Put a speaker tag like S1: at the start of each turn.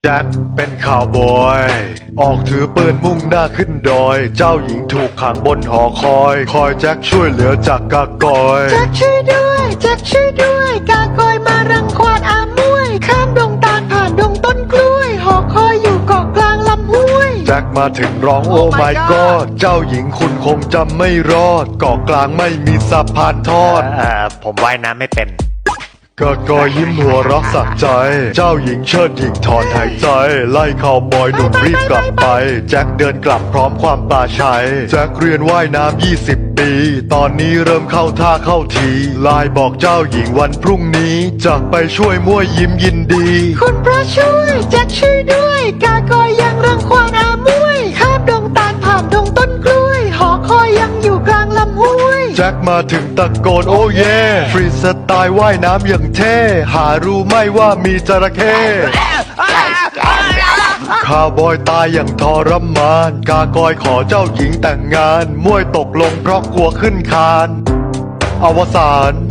S1: แจ็คเป็นข่าวบอยออกถือปืนมุ่งหน้าขึ้นดอยเจ้าหญิงถูกขังบนหอคอยแจ็คช่วยเหลือจากกากอย
S2: แจ็คช่วยด้วยแจ็คช่วยด้วยกากอยมารังควานอามวยข้ามดงตาลผ่านดงต้นกล้วยหอคอยอยู่เกาะกลางลำห้วย
S1: แจ็คมาถึงร้องโอ้ my god เจ้าหญิงคุณคงจำไม่รอดเกาะกลางไม่มีสะพานทอด
S3: ผมว่ายน้ำไม่เป็น
S1: กากอยยิ้มหัวเรักสักใจเจ้าหญิงเชิดหญิงถอนหายใจไล่ข่าวบอยหนุ่มรีบกลับไปแจ็คเดินกลับพร้อมความปลาชัยแจ็คเรียนว่ายน้ำ20 ปีตอนนี้เริ่มเข้าท่าเข้าทีไลน์บอกเจ้าหญิงวันพรุ่งนี้จะไปช่วยมั่วยิ้มยินดี
S2: คุณพระช่วยแจ็คช่วยด้วยกากอยยังรังควานอามวยข้ามดงตาลผ่านดงต้นกล้วยหอคอยยังอยู่กลางลำห้วย
S1: แจ็คมาถึงตะโกนโอ้เย่ฟรีสไตล์ว่ายน้ำอย่างเท่หารู้ไหมว่ามีจระเข้ข้าวบอยตายอย่างทรมานกากอยขอเจ้าหญิงแต่งงานมวยตกลงเพราะกลัวขึ้นคานอวสาน